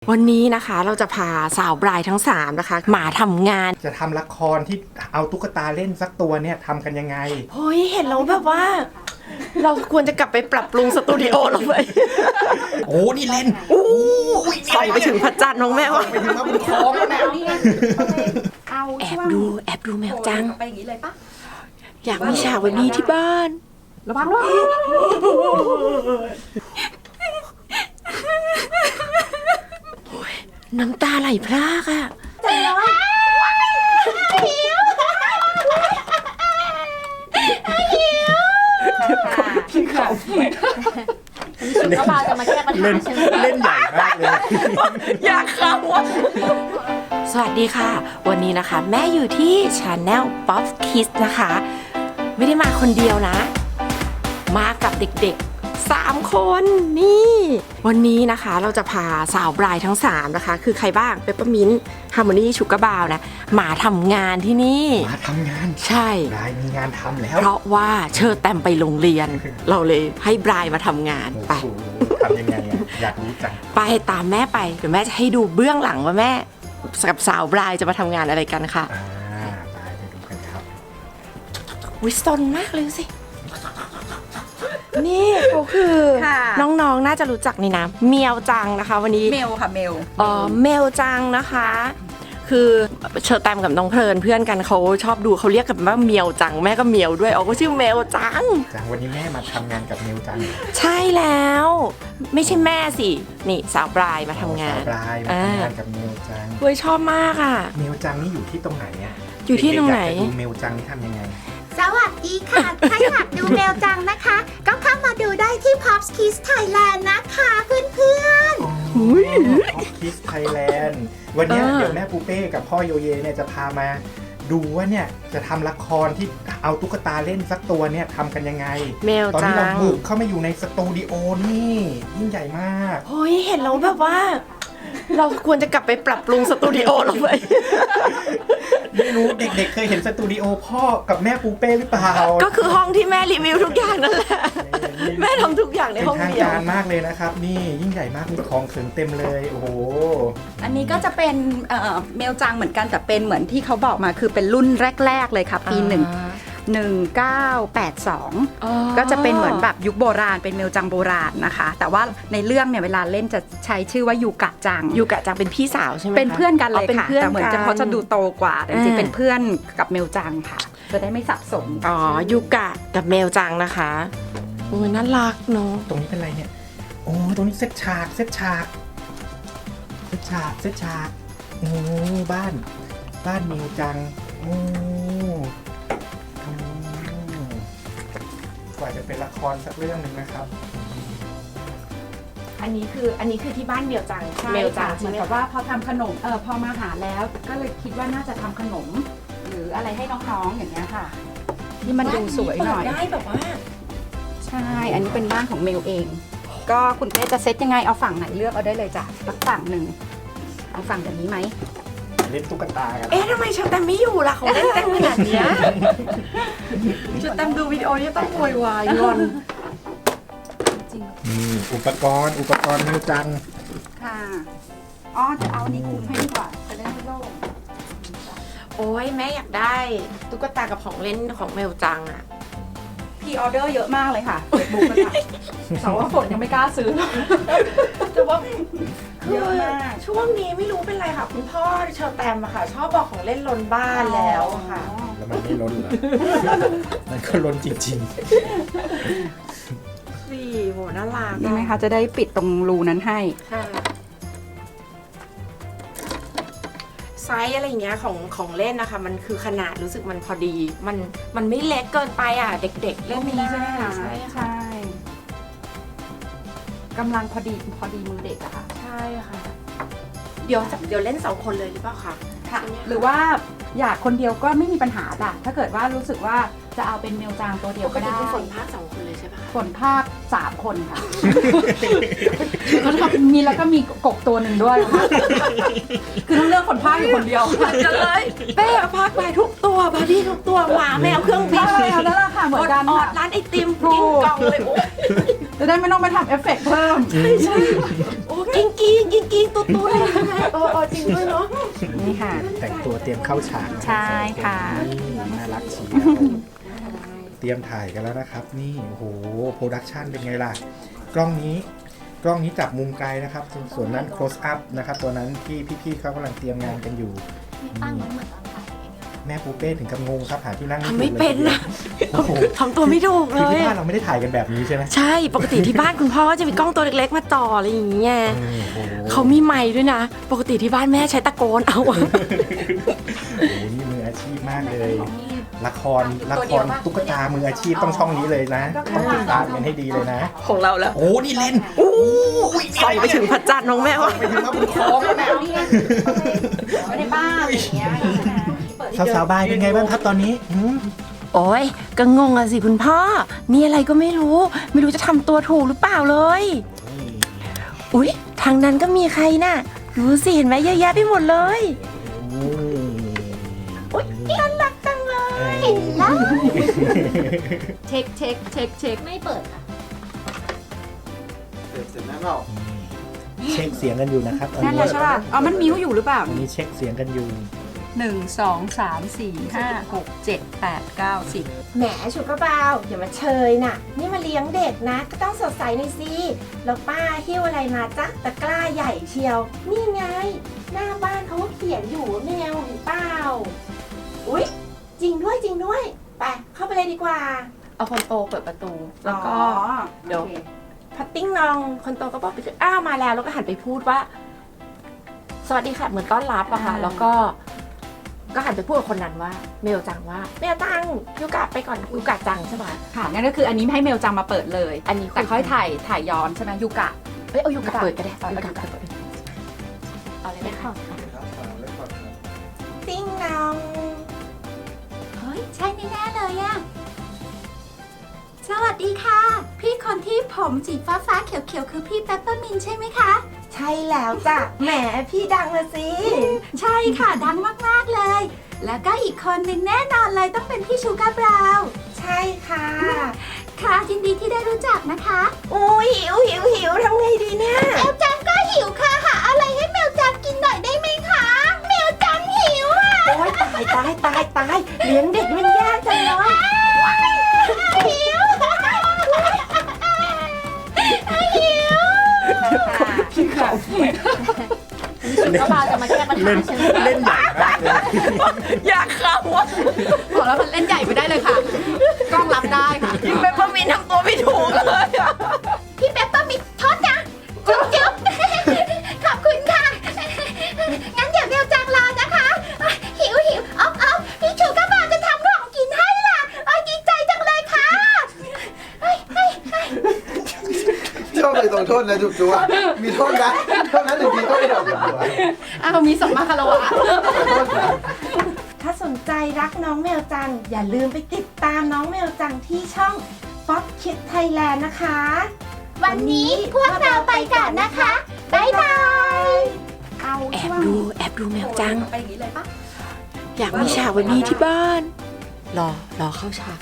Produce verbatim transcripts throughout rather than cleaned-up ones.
วันนี้นะคะเราจะพาสาวบรายทั้งสามนะคะมาทำงานจะทำละครที่เอาตุ๊กตาเล่นสักตัวเนี่ยทำกันยังไงเฮ้ยเห็นแล้วแบบว่า เราควรจะกลับไปปรับปรุงสตูดิโอเราไปโอ้นี่เล่นโอ้ส่องไปถึงพระจันทร์น้องแมวไปถึงมาบนคลองแล้วแมวแอบดูแอบดูแมวจังไปอย่างนี้เลยปะอยากมีฉากแบบนี้ที่บ้านระวังด้วยน้ำตาไหลพรากอะจังเลยพี่เขาชุดกระบาจะมาแก้ปัญหาใช่ไหมเล่นใหญ่มากเลยอยากเข้าสวัสดีค่ะวันนี้นะคะแม่อยู่ที่ Channel Pop Kids นะคะไม่ได้มาคนเดียวนะมากับเด็กๆสามคนนี่วันนี้นะคะเราจะพาสาวบรายทั้งสามนะคะคือใครบ้างเปปเปอร์มินท์ฮาร์โมนีชูการ์บาวนะมาทำงานที่นี่มาทำงานใช่บรายมีงานทำแล้วเพราะว่าเชิญแตมไปโรงเรียนเราเลยให้บรายมาทำงานไปทำยังไงอยากรู้จังไปตามแม่ไปเดี๋ยวแม่จะให้ดูเบื้องหลังว่าแม่กับสาวบรายจะมาทำงานอะไรกันค่ะอ่าไปไปดูกันครับวิสตนมากเลยสินี่เขาคือน้องๆน่าจะรู้จักนี่นะเมียวจังนะคะวันนี้เมลค่ะเมลอ๋อเมลจังนะคะคือเชอร์แตมกับน้องเพลินเพื่อนกันเขาชอบดูเขาเรียกกันว่าเมียวจังแม่ก็เมียวด้วยอ๋อก็ชื่อเมลจังจังวันนี้แม่มาทำงานกับเมลจังใช่แล้วไม่ใช่แม่สินี่สาวบรายมาทำงานสาวบรายมาทำงานกับเมลจังเว้ยชอบมากอ่ะเมลจังนี่อยู่ที่ตรงไหนอ่ะอยู่ที่ตรงไหนดูเมลจังนี่ทำยังไงสวัสดีค่ะ ถ้าอยากดูเมลจังนะคะ ก็เข้ามาดูได้ที่ Pop Kids Thailand นะคะเพื่อนๆ Pop Kids Thailand วันนี้เดี๋ยวแม่ปูเป้กับพ่อโยเยเนี่ยจะพามาดูว่าเนี่ยจะทำละครที่เอาตุ๊กตาเล่นสักตัวเนี่ยทำกันยังไงเมลจังตอนนี้เราบุกเข้ามาอยู่ในสตูดิโอนี่ยิ่งใหญ่มากเฮ้ยเห็นแล้วแบบว่า เราควรจะกลับไปปรับปรุงสตูดิโอเราไปไม่รู้เด็กๆเคยเห็นสตูดิโอพ่อกับแม่ปูเป้หรือเปล่าก็คือห้องที่แม่รีวิวทุกอย่างนั่นแหละแม่ทำทุกอย่างในห้องเดียวเป็นทางการมากเลยนะครับนี่ยิ่งใหญ่มากมีของเขินเต็มเลยโอ้โหอันนี้ก็จะเป็นเมลจังเหมือนกันแต่เป็นเหมือนที่เขาบอกมาคือเป็นรุ่นแรกๆเลยค่ะปีหนึ่งหนึ่งเก้าแปดสองก็จะเป็นเหมือนแบบยุคโบราณเป็นเมลจังโบราณนะคะแต่ว่าในเรื่องเนี่ยเวลาเล่นจะใช้ชื่อว่ายูกะจังยูกะจังเป็นพี่สาวใช่ไหมเป็นเพื่อนกันเลยค่ะแต่เหมือนจะเขาจะดูโตกว่าแต่จริงๆเป็นเพื่อนกับเมลจังค่ะจะได้ไม่สับสนอ๋อยูกะกับเมลจังนะคะโอ้ยน่ารักเนาะตรงนี้เป็นอะไรเนี่ยโอ้ตรงนี้เซตฉากเซตฉากเซตฉากเซตฉากโอ้บ้านบ้านเมลจังโอ้กว่าจะเป็นละครสักเรื่องหนึ่งนะครับอันนี้คืออันนี้คือที่บ้านเมลจังเมลจังเหมือนกับว่าพอทำขนมเออพอมาหาแล้วก็เลยคิดว่าน่าจะทำขนมหรืออะไรให้น้องๆอย่างเงี้ยค่ะที่มันดูสวยหน่อยได้แบบว่าใช่อันนี้เป็นบ้านของเมลเองก็คุณแม่จะเซตยังไงเอาฝั่งไหนเลือกเอาได้เลยจ้ะสักฝั่งหนึ่งเอาฝั่งแบบนี้ไหมเล่นตุ๊กตากันเอ๊ะทำไมชาแตมไม่อยู่ล่ะเขาเล่นเต้นขนาดนี้ชาแตมดูวิดีโอนี้ต้องโวยวายงอนจริงอุปกรณ์อุปกรณ์เมลจังค่ะอ๋อจะเอานี่คุมให้ดีกว่าจะได้ไม่โล่งโอ้ยแม่อยากได้ตุ๊กตากับของเล่นของเมลจังอะพีออเดอร์เยอะมากเลยค่ะเฟซบุ๊กนะคะแต่ว่าฝนยังไม่กล้าซื้อแต่ว่าเยอะมากช่วงนี้ไม่รู้เป็นไรค่ะคุณพ่อเชอร์แตมอะค่ะชอบบอกของเล่นล้นบ้านแล้วค่ะแล้วมันไม่ล้นเหรอมันก็ล้นจริงๆสี่โหน่ารักใช่ไหมคะจะได้ปิดตรงรูนั้นให้ไซส์อะไรเงี้ยของของเล่นนะคะมันคือขนาดรู้สึกมันพอดีมันมันไม่เล็กเกินไปอ่ะเด็กๆเล่นนี้ใช่ไหมคะใช่ใช่กำลังพอดีพอดีมือเด็กอะค่ะใช่ค่ะเดี๋ยวเดี๋ยวเล่นสองคนเลยหรือเปล่าคะค่ะหรือว่าอยากคนเดียวก็ไม่มีปัญหาจ้ะถ้าเกิดว่ารู้สึกว่าจะเอาเป็นเมลจางตัวเดียวก็ได้ฝนภาคสองคนเลยใช่ปะฝนภาคสามคนค่ะก็ทำมีแล้วก็มีกบตัวหนึ่งด้วยคือต้องเลือกคนภาคอยู่คนเดียวจะเลยเป้ภาคไปทุกตัวบาร์บี้ทุกตัวหมาแมวเครื่องบินแล้วนั่นแหละค่ะเหมือนกันออดร้านไอติมกินกล่องเลยจะได้ไม่ต้องไปทำเอฟเฟกต์เพิ่มใช่ใช่โอ้กิ้งกิ้งกิ้งกิ้งตุ๊ตุ๊อะไรใช่ไหมเออเออจริงด้วยเนาะนี่ค่ะแต่งตัวเตรียมเข้าฉากนะครับใช่ค่ะนี่น่ารักเชียวเตรียมถ่ายกันแล้วนะครับ นี่โอ้โหโปรดักชันเป็นไงล่ะ กล้องนี้กล้องนี้จับมุมไกลนะครับ ส่วนนั้น close up นะครับ ตัวนั้นที่พี่ๆเขากำลังเตรียมงานกันอยู่นี่แม่ปูเป้ถึงกับงงครับหาที่นั่งทำไม่เป็นนะโอ้โหทำตัวไม่ถูกเลคือย ที่บ้านเราไม่ได้ถ่ายกันแบบนี้ใช่ไหมใช่ปกติที่บ้านคุณพ่อจะมีกล้องตัวเล็กๆมาจ่ออะไรอย่างเงี้ยโอ้โหเขามีไมค์ด้วยนะ ปกติที่บ้านแม่ใช้ตะโกนเอาอะโอ้โหนี่มืออาชีพมากเลย ละครละครตุ๊กตามืออาชีพต้องช่องนี้เลยนะต้องติดตามกันให้ดีเลยนะของเราแล้วโอ้นี่เล่นอู้ส่องไปถึงพระจันทร์น้องแม่วะไปถึงมาบนคล้องแล้วแม่ไม่ได้บ้าอะไรอย่างเงี้ยสาวๆบายเป็นไงบ้างครับตอนนี้หืมโอ้ยก็งงอะสิคุณพ่อ นี่อะไรก็ไม่รู้ ไม่รู้จะทำตัวถูกหรือเปล่าเลย อุ๊ย ทางนั้นก็มีใครน่ะ ดูสิเห็นไหมเยอะแยะไปหมดเลย อุ๊ยน่ารักจังเลยเช็คเช็คเช็คเช็คไม่เปิดค่ะเช็คเสียงกันอยู่นะครับตอนนั่นนี้แหละใช่ป่ะอ๋อมันมิวอยู่หรือเปล่าตอนนี้เช็คเสียงกันอยู่หนึ่งสองสามสี่ห้าหกเจ็ดแปดเก้าสิบแหมชุกกระเบาอย่ามาเชยน่ะ นี่มาเลี้ยงเด็กนะ ก็ต้องสดใสหน่อยสิแล้วป้าหิ้วอะไรมาจ๊ะตะกร้าใหญ่เชียว นี่ไง หน้าบ้านเขาก็เขียนอยู่ว่าแมวหรือเปล่า อุ๊ย จริงด้วยจริงด้วย ไป เข้าไปเลยดีกว่า เอาคนโตเปิดประตู แล้วก็ เดี๋ยว พัตติ้งนองคนโตก็บอกไปอ้าวมาแล้ว แล้วก็หันไปพูดว่า สวัสดีค่ะเหมือนต้อนรับอะค่ะ แล้วก็ ก็หันไปพูดกับคนนั้นว่า เมลจังว่าเมลจังยูกะไปก่อนยูกะจังใช่ไหมค่ะงั้นก็คืออันนี้ให้เมลจังมาเปิดเลยอันนี้แต่ค่อยถ่ายถ่ายย้อนใช่ไหมยูกะเอ้ยเอายูกะเปิดก็ได้เอายูยูกะกะเปิดเอาเลยนะคะติ้งนองเฮ้ย ใช่แน่ๆเลยอะสวัสดีค่ะ พี่คนที่ผมสีฟ้าฟ้าๆเขียวๆคือพี่เปปเปอร์มินใช่ไหมคะใช่แล้วจ้ะแหมพี่ดังละสิใช่ค่ะดังมากๆเลย แล้วก็อีกคนหนึ่งแน่นอนเลยต้องเป็นพี่ชูการ์บราวน์ใช่ค่ะค่ะยินดีที่ได้รู้จักนะคะอู้หิวหิวหิวทำไงดีเนี่ยแมวจังก็หิวค่ะหาอะไรให้แมวจังกินหน่อยได้ไหมคะแมวจังหิวอ่ะโอ๊ยตายตายตายตายเลี้ยงเด็กมันยากจังเลยหิวหิวก็มาจะมาแก้ปัญหาเล่นใช่ไหมเล่นใหญ่มากเลยอยากเข้าอ่ะบอกแล้วมันเล่นใหญ่ไม่ได้เลยค่ะ กล้องรับได้ค่ะยิ่งเป็นพ่อมินทำตัวไม่ถูกเลยอะพี่เปปเปอร์มินทอดนะจุ๊บจุ๊บขอบคุณค่ะ งั้นเดี๋ยวแมวจังรอนะคะหิวหิวอ๊อบอ๊อบพี่ชูก็มาจะทำของกินให้ล่ะโอ้ยดีใจจังเลยค่ะเฮ้ยเฮ้ยเฮ้ยชอบเลยตรงโทษนะจุ๊บจุ๊บมีโทษนะเท่านั้นหนึ่งทีก็ไม่ดอกจุ๊บจุ๊บอ้าวมีสมมาคารวะถ้าสนใจรักน้องแมวจัง อย่าลืมไปติดตามน้องแมวจังที่ช่อง Fox Kids Thailand นะคะวันนี้พวกเราไปก่อนนะคะ บ๊ายบายเอาแอช่บวงดูแอบดูแมวจังไปอย่างนี้เลยปะอยากมีฉากแบบนี้ที่บ้าน รอ รอเข้าฉาก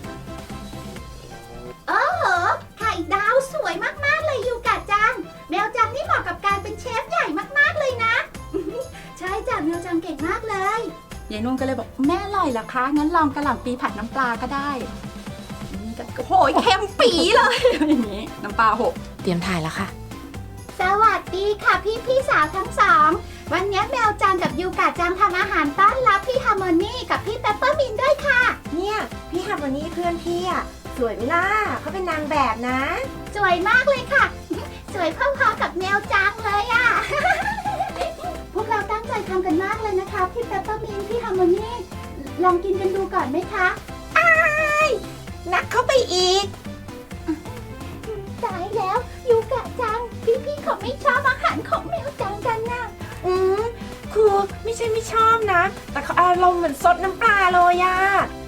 โอ้โหไข่ดาวสวยมากๆเลยยูกะจัง แมวจังนี่เหมาะกับการเป็นเชฟใหญ่มากๆเลยนะ ใช่จ้ะแมวจังเก่งมากเลยยายนุ่นก็เลยบอกแม่อร่อยเหรอคะงั้นลองกระหล่ำปีผัดน้ำปลาก็ได้นี่ก็โอ้โหเค็มปีเลยอย่างนี้น้ำปลาหกเตรียมถ่ายแล้วค่ะสวัสดีค่ะพี่พี่สาวทั้งสอง วันนี้แมวจังกับยูกะจังทำอาหารต้อนรับพี่ฮาร์โมนีกับพี่เปปเปอร์มินด้วยค่ะเนี่ยพี่ฮาร์โมนีเพื่อนพี่อ่ะ สวยไหมล่ะเขาเป็นนางแบบนะสวยมากเลยค่ะ สวยพอๆกับแมวจังเลยอะ พวกเราตั้งใจทำกันมากเลยนะคะพี่เปปเปอร์มินพี่ฮาร์โมนีลองกินกันดูก่อนไหมคะนักเข้าไปอีกตายแล้วยูกะจัง พี่พี่ๆเขาไม่ชอบอาหารของแมวจังกันนะอืมคือไม่ใช่ไม่ชอบนะ แต่เขาอารมณ์เหมือนซดน้ำปลาเลยอะ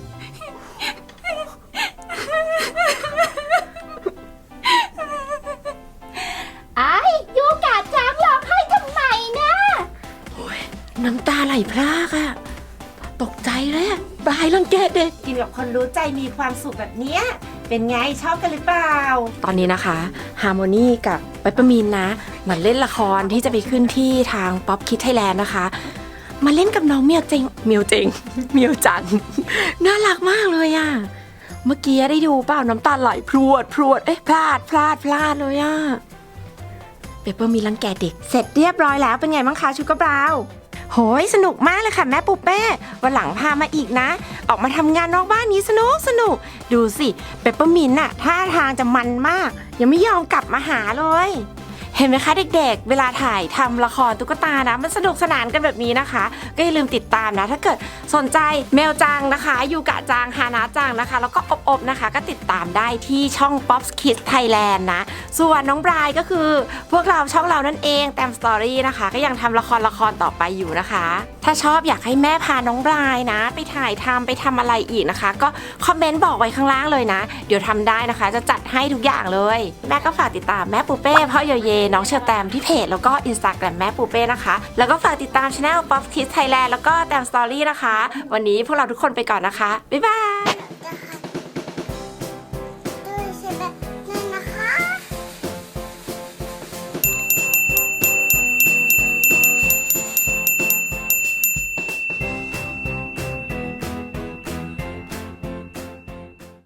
ไอ้ยูกะจังร้องไห้ทำไมนะน้ำตาไหลพรากอะตกใจเลยอะบายรังเกตเด็กกินกับคนรู้ใจมีความสุขแบบเนี้ยเป็นไงชอบกันหรือเปล่า ตอนนี้นะคะฮาร์โมนีกับเปปเปอร์มินนะเหมือนเล่นละครที่จะไปขึ้นที่ทาง Pop Kids Thailand นะคะ มาเล่นกับน้องเมียวเจงเมียวเจงเมียวจัง น่ารักมากเลยอะเมื่อกี้ได้ดูเปล่าน้ำตาไหลพรวดพรวดเอ๊ะพลาดพลาดพลาดเลยอะเปเปอร์มีรังแกเด็กเสร็จเรียบร้อยแล้วเป็นไงบ้างคะชูกระบราวโหยสนุกมากเลยค่ะแม่ปูเป้วันหลังพามาอีกนะ ออกมาทำงานนอกบ้านนี้สนุกสนุกดูสิเปเปอร์มินต์น่ะท่าทางจะมันมากยังไม่ยอมกลับมาหาเลยเห็นไหมคะเด็กๆเวลาถ่ายทำละครตุ๊กตานะมันสนุกสนานกันแบบนี้นะคะก็อย่าลืมติดตามนะถ้าเกิดสนใจแมวจังนะคะยูกะจังฮานาจังนะคะแล้วก็อบๆนะคะก็ติดตามได้ที่ช่อง Pop Kids Thailand นะส่วนน้องบรายก็คือพวกเราช่องเรานั่นเองแตมสตอรี่นะคะก็ยังทำละครละครต่อไปอยู่นะคะถ้าชอบอยากให้แม่พาน้องบรายนะไปถ่ายทำไปทำอะไรอีกนะคะก็คอมเมนต์บอกไว้ข้างล่างเลยนะเดี๋ยวทำได้นะคะจะจัดให้ทุกอย่างเลยแม่ก็ฝากติดตามแม่ปูเป้พ่อโยเยน้องเชอแตมที่เพจแล้วก็ Instagram แม่ปูเป้นะคะแล้วก็ฝากติดตามช่อง Pop Kids Thailand แล้วก็แตมสตอรี่นะคะวันนี้พวกเราทุกคนไปก่อนนะคะบ๊ายบาย